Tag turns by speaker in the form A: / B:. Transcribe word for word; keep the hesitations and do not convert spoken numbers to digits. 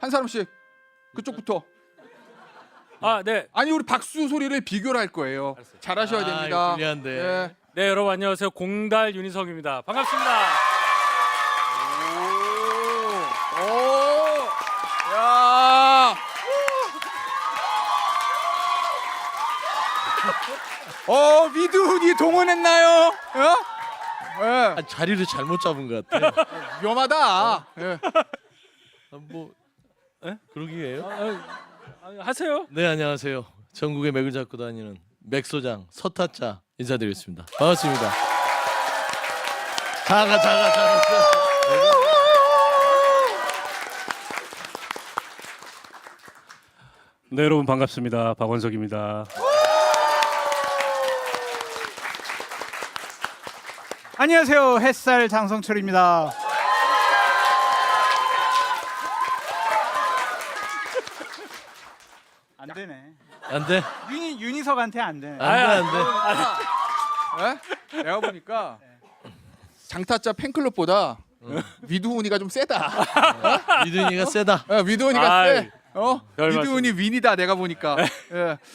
A: 한 사람씩 그쪽부터.
B: 아, 네.
A: 아니 우리 박수 소리를 비교를 할 거예요. 잘하셔야
C: 아,
A: 됩니다.
C: 이거 불리한데.
A: 예.
B: 네, 여러분 안녕하세요. 공달 윤희석입니다. 반갑습니다.
A: 오, 오, 야. 어, 미두훈이 동원했나요? 어? 예.
C: 아, 자리를 잘못 잡은 것 같아.
A: 위험하다. 예.
C: 아, 뭐, 에? 그러기에요?
B: 아, 아, 하세요.
C: 네, 안녕하세요. 전국의 맥을 잡고 다니는 맥소장 서타짜 인사드리겠습니다. 반갑습니다. 자가 자가 자가.
B: 네, 여러분 반갑습니다. 박원석입니다.
D: 안녕하세요. 햇살 장성철입니다. 안 되네.
C: 안 돼?
D: 윤희 윤희석한테 안 되네.
C: 안 돼, 안 돼.
A: 예? 내가 보니까 장타짜 팬클럽보다 위두훈이가 좀 세다.
C: 이든이가 세다.
A: 예, 위두훈이가
B: 아이,
A: 세. 어?
B: 별
A: 위두훈이 윈이다 내가 보니까. 예.